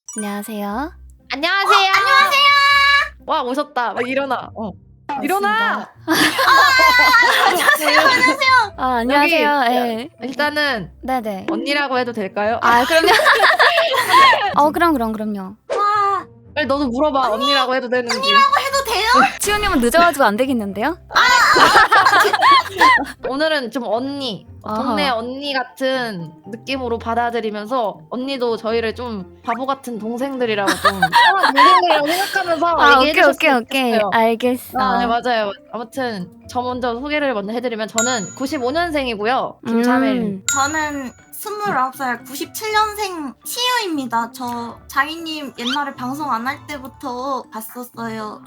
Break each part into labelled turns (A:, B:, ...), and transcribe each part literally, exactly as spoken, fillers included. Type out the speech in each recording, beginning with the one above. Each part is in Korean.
A: 안녕하세요.
B: 안녕하세요.
C: 어, 안녕하세요.
B: 와 오셨다. 막 일어나. 어. 일어나.
C: 안녕하세요. 안녕하세요.
A: 아, 안녕하세요.
B: 여기,
A: 예.
B: 일단은
A: 네네.
B: 언니라고 해도 될까요?
A: 아, 그럼요. 어, 그럼, 그럼, 그럼요.
C: 와,
B: 빨리 너도 물어봐. 언니, 언니라고 해도 되는지.
C: 언니라고 해도 돼요?
A: 치우님은 늦어가지고 안 되겠는데요?
B: 오늘은 좀 언니,
A: 아하.
B: 동네 언니 같은 느낌으로 받아들이면서 언니도 저희를 좀 바보 같은 동생들이라고 좀 사랑하는 동생들이라고 생각하면서
A: 아, 오케이,
B: 얘기해
A: 오케이, 오케이.
B: 좋겠어요.
A: 알겠어.
B: 아, 네, 맞아요. 아무튼 저 먼저 소개를 먼저 해드리면 저는 구십오 년생이고요.
A: 음.
B: 김차멜.
C: 저는 스물아홉 살 구십칠 년생 치유입니다. 저 자기님 옛날에 방송 안 할 때부터 봤었어요.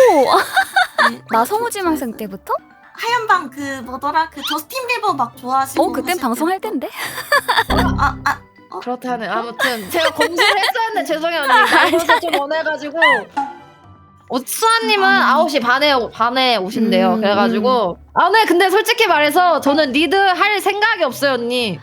A: 오!
C: 네,
A: 나
C: 저-
A: 성우지망생 때부터?
C: 하얀방 그 뭐더라? 그 저스틴 비버 막 좋아하시고
A: 어, 그땐 방송할 텐데?
C: 아, 아,
B: 그렇다는 아무튼 제가 검수를 했었는데 죄송해요 언니. 나도 좀 원해가지고 어, 수아님은 아홉 시 반에 오- 반에 오신대요.
A: 음,
B: 그래가지고 아 네 근데 솔직히 말해서 저는 리드 할 생각이 없어요 언니.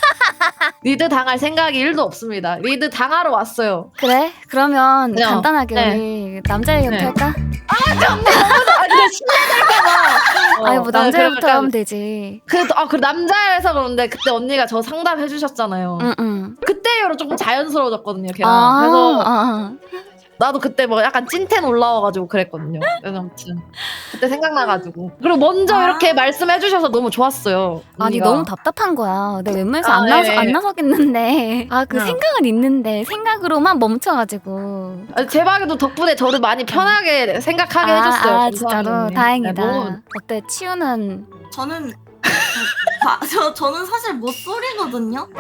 B: 리드 당할 생각이 일도 없습니다. 리드 당하러 왔어요.
A: 그래? 그러면
B: 그냥,
A: 간단하게
B: 네.
A: 우리 남자 얘기부터
B: 네.
A: 할까?
B: 아 근데 신뢰될까봐.
A: 아니, 뭐 남자부터 하면 되지.
B: 그아그 남자여서 그런데 그때 언니가 저 상담해 주셨잖아요.
A: 응, 응.
B: 그때 이후로 조금 자연스러워졌거든요, 걔랑.
A: 아,
B: 그래서
A: 아,
B: 나도 그때 뭐 약간 찐텐 올라와가지고 그랬거든요. 그래서 아무튼 그때 생각나가지고 그리고 먼저
C: 아.
B: 이렇게 말씀해주셔서 너무 좋았어요.
A: 아니,
B: 언니가.
A: 너무 답답한 거야. 내가 웬만해서
B: 아,
A: 안, 나서,
B: 예.
A: 안 나서겠는데. 아, 그
B: 응.
A: 생각은 있는데, 생각으로만 멈춰가지고.
B: 아니, 제 방에도 덕분에 저를 많이 편하게 생각하게
A: 아,
B: 해줬어요.
A: 아,
B: 감사합니다,
A: 진짜로?
B: 언니.
A: 다행이다.
B: 네, 너무
A: 어때, 치우는.
C: 저는 바, 저 저는 사실 못소리거든요.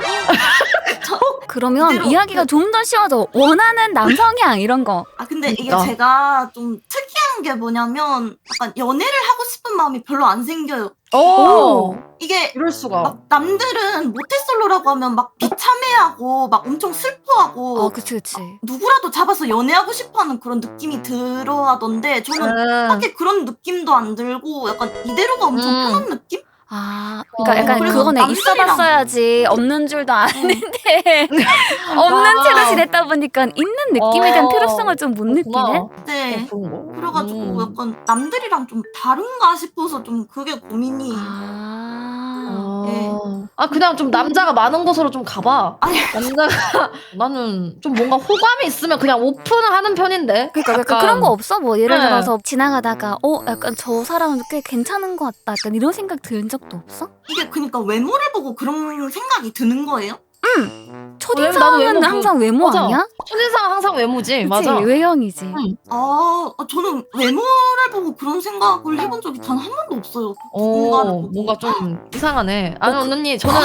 A: 그러면
C: 그대로
A: 이야기가 좀 더 쉬워져. 원하는 남성향, 이런 거.
C: 아 근데 이게
B: 그러니까.
C: 제가 좀 특이한 게 뭐냐면 약간 연애를 하고 싶은 마음이 별로 안 생겨요.
B: 오,
C: 이게
B: 이럴 수가.
C: 막 남들은 모태솔로라고 하면 막 비참해하고 막 엄청 슬퍼하고
A: 어, 그치, 그치.
C: 누구라도 잡아서 연애하고 싶어하는 그런 느낌이 들어하던데 저는
B: 음.
C: 딱히 그런 느낌도 안 들고 약간 이대로가 엄청
B: 음.
C: 편한 느낌?
A: 아, 그러니까
B: 어,
A: 약간
C: 그래서
A: 그거네.
C: 남들이랑-
A: 있어봤어야지. 없는 줄도 아는데. 없는
B: 아.
A: 채로 지냈다 보니까 있는 느낌에 대한
B: 어.
A: 필요성을 좀 못 느끼네?
B: 그렇구나.
C: 네.
B: 어, 그런 거.
C: 그래가지고
B: 음.
C: 약간 남들이랑 좀 다른가 싶어서 좀 그게 고민이에요.
A: 아.
B: 아,
C: 네.
B: 아 그냥 좀 남자가 많은 곳으로 좀 가봐.
C: 아니.
B: 남자가 나는 좀 뭔가 호감이 있으면 그냥 오픈하는 편인데.
A: 그러니까 약간
B: 약간
A: 그런 거 없어? 뭐 예를
B: 네.
A: 들어서 지나가다가 어 약간 저 사람은 꽤 괜찮은 것 같다. 약간 이런 생각 든 적도 없어?
C: 이게 그러니까 외모를 보고 그런 생각이 드는 거예요?
B: 나도
A: 첫인상은
B: 외모 그-
A: 항상 외모
B: 맞아.
A: 아니야?
B: 첫인상은 항상 외모지.
A: 그치?
B: 맞아.
A: 외형이지.
B: 응.
C: 아, 아, 저는 외모를 보고 그런 생각을 해본 적이 단 한 번도 없어요. 누군가를
B: 어,
C: 보고.
B: 뭔가 좀 이상하네. 아니
A: 어, 그-
B: 언니 저는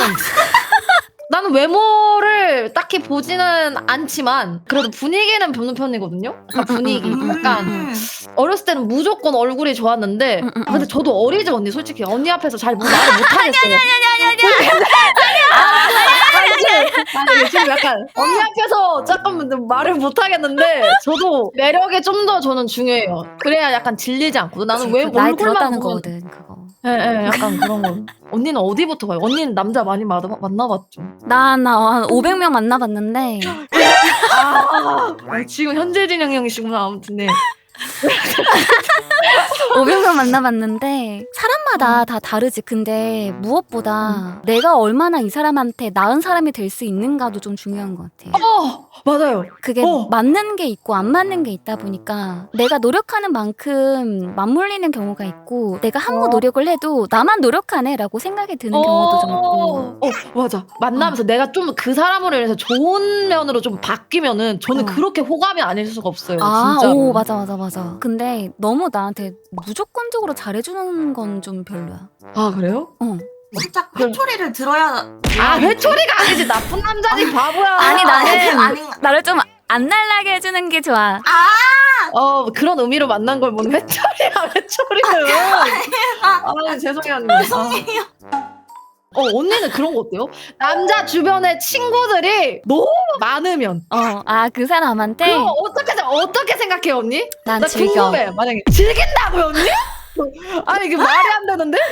B: 나는 외모를 딱히 보지는 않지만 그래도 분위기는 보는 편이거든요. 약간 분위기.
A: 음, 음, 음,
B: 약간
C: 음.
B: 어렸을 때는 무조건 얼굴이 좋았는데
A: 음, 음,
B: 아, 근데 저도 어리죠 언니 솔직히 언니 앞에서 잘 뭐 말을 못하겠어요. 아니 지금 약간 언니 앞에서 잠깐만 말을 못하겠는데 저도 매력이 좀 더 저는 중요해요. 그래야 약간 질리지 않고 나는
A: 그치,
B: 왜
A: 그 나이
B: 얼굴만
A: 들었다는
B: 보면
A: 거거든 그거.
B: 예, 예, 약간 그런 거. 언니는 어디부터 가요? 언니는 남자 많이 만나, 만나봤죠?
A: 나나한 오백 명 만나봤는데
B: 아, 아, 지금 현재 진영형이시구나. 아무튼 네.
A: 오백 명 만나봤는데 사람마다 다 다르지. 근데 무엇보다 내가 얼마나 이 사람한테 나은 사람이 될 수 있는가도 좀 중요한 것 같아.
B: 어, 맞아요.
A: 그게
B: 어.
A: 맞는 게 있고 안 맞는 게 있다 보니까 내가 노력하는 만큼 맞물리는 경우가 있고 내가 아무
B: 어.
A: 노력을 해도 나만 노력하네 라고 생각이 드는 경우도 좀 있고.
B: 어, 맞아. 만나면서 내가 좀 그 사람으로 인해서 좋은 면으로 좀 바뀌면은 저는
A: 어.
B: 그렇게 호감이 아닐 수가 없어요.
A: 아,
B: 진짜로.
A: 오, 맞아, 맞아, 맞아. 근데 너무 나한테 무조건적으로 잘해주는 건 좀 별로야.
B: 아, 그래요?
A: 어.
C: 살짝 회초리를 들어야
B: 아, 회초리가 아니지. 나쁜 남자지, 바보야.
A: 아니, 나는
C: 아닌
A: 나를 좀 안 날라게 해주는 게 좋아.
B: 어, 그런 의미로 만난 걸 뭔 회초리야, 회초리는. 아, 죄송해요, 언니.
C: 죄송해요.
B: 어, 언니는 그런 거 어때요? 남자 주변에 친구들이 너무 많으면.
A: 어, 아, 그 사람한테
B: 그거 어떻게, 어떻게 생각해요, 언니?
A: 난
B: 나
A: 즐겨.
B: 궁금해. 만약에. 즐긴다고요, 언니? 아니, 이게 말이 안 되는데? 예?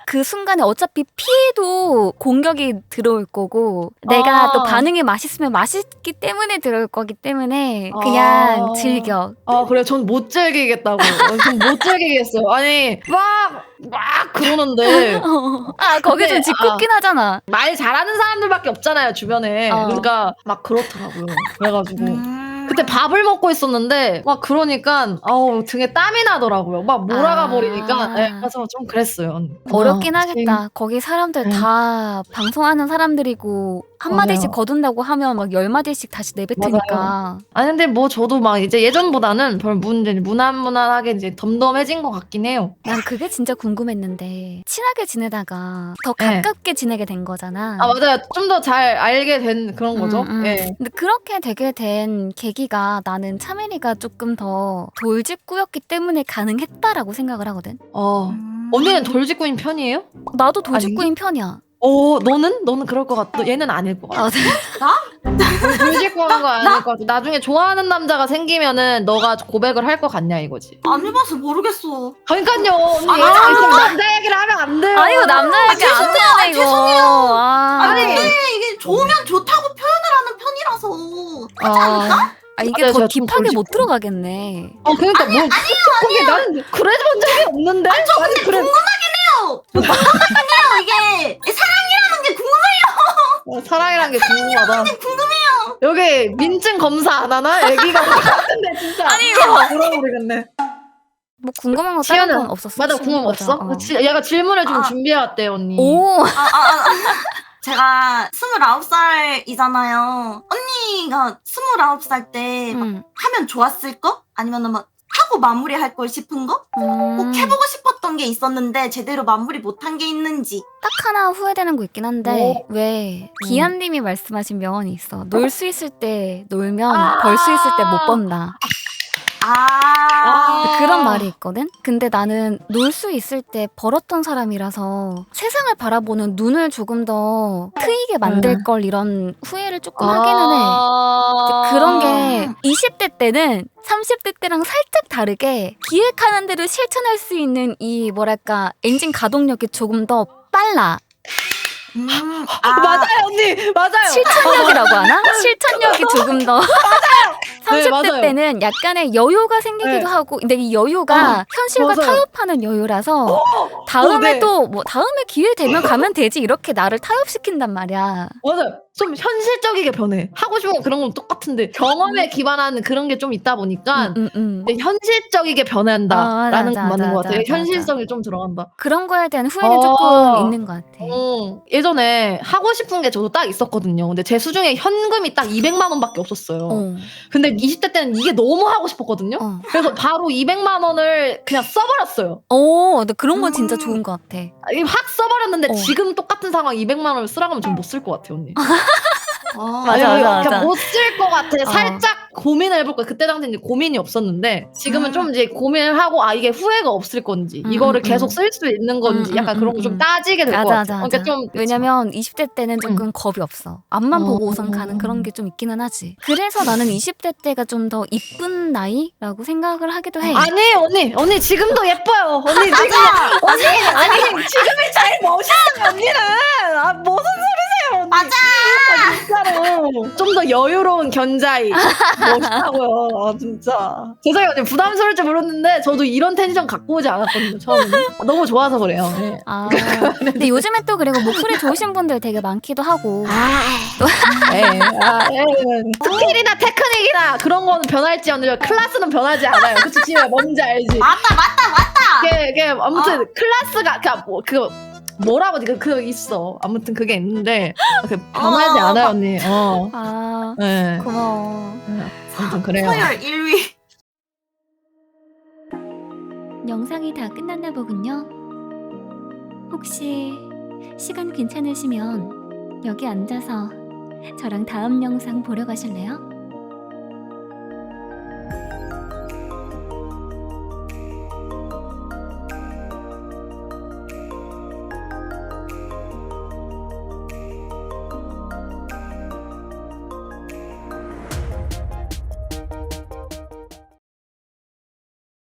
A: 그 순간에 어차피 피해도 공격이 들어올 거고 내가
B: 아.
A: 또 반응이 맛있으면 맛있기 때문에 들어올 거기 때문에 그냥
B: 아.
A: 즐겨.
B: 아 그래 전 못 즐기겠다고. 전 못 즐기겠어요. 아니 막 막 그러는데
A: 아 거기 좀
B: 근데,
A: 짓궂긴 하잖아.
B: 말 잘하는 사람들밖에 없잖아요 주변에.
A: 어.
B: 그러니까 막 그렇더라고요. 그래가지고
C: 음.
B: 그때 밥을 먹고 있었는데 막 그러니까 아우 등에 땀이 나더라고요. 막 몰아가
A: 아.
B: 버리니까. 네, 그래서 좀 그랬어요. 언니.
A: 어렵긴
B: 아,
A: 하겠다. 거기 사람들
B: 네.
A: 다 방송하는 사람들이고 한 마디씩
B: 맞아요.
A: 거둔다고 하면 막 열 마디씩 다시 내뱉으니까.
B: 아니 근데 뭐 저도 막 이제 예전보다는 별 문제 무난무난하게 이제 덤덤해진 것 같긴 해요.
A: 난 그게 진짜 궁금했는데 친하게 지내다가 더
B: 네.
A: 가깝게 지내게 된 거잖아.
B: 아 맞아요. 좀 더 잘 알게 된 그런 거죠.
A: 음, 음.
B: 예.
A: 근데 그렇게 되게 된 계기가 나는 차메리가 조금 더 돌직구였기 때문에 가능했다라고 생각을 하거든.
B: 어.
C: 음.
B: 언니는 돌직구인 편이에요?
A: 나도 돌직구인 편이야.
B: 어, 너는? 너는 그럴 것 같아. 얘는 아닐 것 같아.
A: 아,
B: 돌직구한 거 아닐 것 같아. 나중에 좋아하는 남자가 생기면은 너가 고백을 할 것 같냐 이거지.
C: 안 해봐서 모르겠어.
B: 그러니까요. 언니
C: 아,
B: 얘가 있으면 남자 얘기를 하면 안 돼요.
A: 아 이거 남자 얘기 안 되네 이거. 아,
C: 아니 근데 이게 좋으면 좋다고 표현을 하는 편이라서.
B: 아,
A: 아, 이게
B: 맞아요,
A: 더
B: 제가 좀
A: 딥하게 못
B: 돌직구.
A: 들어가겠네.
B: 어 그러니까 뭐 아니요 난 그래 본 적이 없는데. 아니, 저 근데 그래.
C: 궁금해요. 이게 사랑이라는 게 궁금해요.
B: 어, 사랑이란 게 궁금하다.
C: 궁금해요.
B: 여기 민증 검사 안 하나? 애기가 같은데 진짜.
A: 아니, 이거.
B: 물어보겠네.
A: 뭐 궁금한 거 다른
B: 지연은
A: 건 없었어?
B: 맞아 궁금 없어?
A: 어.
B: 지- 얘가 질문을 좀
C: 아.
B: 준비해 왔대 언니.
A: 오,
C: 아, 아, 아. 제가 스물아홉 살이잖아요. 언니가 스물아홉 살 때 막
A: 음.
C: 하면 좋았을 거? 아니면 막 하고 마무리할 걸 싶은 거? 꼭
A: 음.
C: 해보고 싶었던 게 있었는데 제대로 마무리 못한 게 있는지.
A: 딱 하나 후회되는 거 있긴 한데
B: 오.
A: 왜
B: 음.
A: 기한님이 말씀하신 명언이 있어. 놀 수 있을 때 놀면
B: 아.
A: 벌 수 있을 때 못 번다.
C: 아,
A: 그런 말이 있거든? 근데 나는 놀 수 있을 때 벌었던 사람이라서 세상을 바라보는 눈을 조금 더 트이게 만들
B: 네.
A: 걸 이런 후회를 조금 하기는 해.
B: 아.
A: 그런 게 이십 대 때는 삼십 대 때랑 살짝 다르게 기획하는 대로 실천할 수 있는 이 뭐랄까 엔진 가동력이 조금 더 빨라.
C: 음,
B: 아, 맞아요 언니 맞아요.
A: 실천력이라고 하나? 실천력이 조금 더 삼십 대
B: 맞아요.
A: 때는 약간의 여유가 생기기도
B: 네.
A: 하고 근데 이 여유가 현실과
B: 맞아요.
A: 타협하는 여유라서 다음에
B: 어, 네.
A: 또 뭐 다음에 기회 되면 가면 되지 이렇게 나를 타협시킨단 말이야.
B: 맞아요. 좀 현실적이게 변해. 하고 싶은 거 그런 건 똑같은데 경험에 기반하는 그런 게 좀 있다 보니까
A: 음, 음, 음.
B: 근데 현실적이게 변한다라는
A: 아,
B: 건
A: 맞아,
B: 맞는 것
A: 맞아,
B: 같아요.
A: 맞아,
B: 현실성이 좀 들어간다.
A: 그런 거에 대한 후회는
B: 어.
A: 조금 있는 것 같아.
B: 음, 예전에 하고 싶은 게 저도 딱 있었거든요. 근데 제 수중에 현금이 딱 이백만 원밖에 없었어요.
A: 어,
B: 근데 이십 대 때는 이게 너무 하고 싶었거든요.
A: 어.
B: 그래서 바로 이백만 원을 그냥 써버렸어요.
A: 오, 근데 그런 건 진짜
C: 음.
A: 좋은 것 같아.
B: 아, 이게 확 써버렸는데
A: 어.
B: 지금 똑같은 상황 이백만 원을 쓰라고 하면 전 못 쓸 것 같아요, 언니.
C: 어.
A: 맞아, 맞아, 맞아.
B: 못쓸 것 같아.
A: 어.
B: 살짝 고민을 해볼 거야. 그때 당시에 이제 고민이 없었는데 지금은
C: 음.
B: 좀 이제 고민을 하고 아 이게 후회가 없을 건지
A: 음,
B: 이거를
A: 음,
B: 계속
A: 음.
B: 쓸 수 있는 건지
A: 음,
B: 약간
A: 음,
B: 그런 거
A: 음,
B: 좀
A: 음.
B: 따지게 될 것
A: 맞아,
B: 같아.
A: 맞아,
B: 그러니까
A: 맞아.
B: 좀
A: 왜냐면 이십 대 때는 조금 겁이 없어. 앞만
B: 어.
A: 보고 우선 가는 그런 게 좀 있기는 하지. 그래서 나는 이십 대 때가 좀 더 이쁜 나이라고 생각을 하기도 해.
B: 아니 언니 언니 지금도 예뻐요. 언니 지금 언니 아니 지금이 제일 멋있어요 언니는. 아 무슨 소리세요 언니.
C: 맞아.
B: 아, 진짜로 좀 더 여유로운 견자이 멋있다고요. 아, 진짜 죄송해요 언니 부담스러울지 모르는데 저도 이런 텐션 갖고 오지 않았거든요 처음에는. 너무 좋아서 그래요. 네.
A: 아, 근데 요즘에 또 그리고 목소리 좋으신 분들 되게 많기도 하고.
B: 예, 아, 예. 스킬이나 테크닉이나 그런 거는 변할지언정 클래스는 변하지 않아요. 그치 지금 뭔지 알지?
C: 맞다, 맞다, 맞다.
B: 그게, 그게 아무튼 클래스가 그냥 뭐 그 뭐라고 그, 그 있어. 아무튼 그게 있는데 그 변하지
C: 어,
B: 않아요
C: 막-
B: 언니. 어.
A: 아,
B: 네.
A: 고마워.
B: 아무튼 그래요.
C: 서열 일 위.
A: 영상이 다 끝났나 보군요. 혹시 시간 괜찮으시면 여기 앉아서 저랑 다음 영상 보러 가실래요?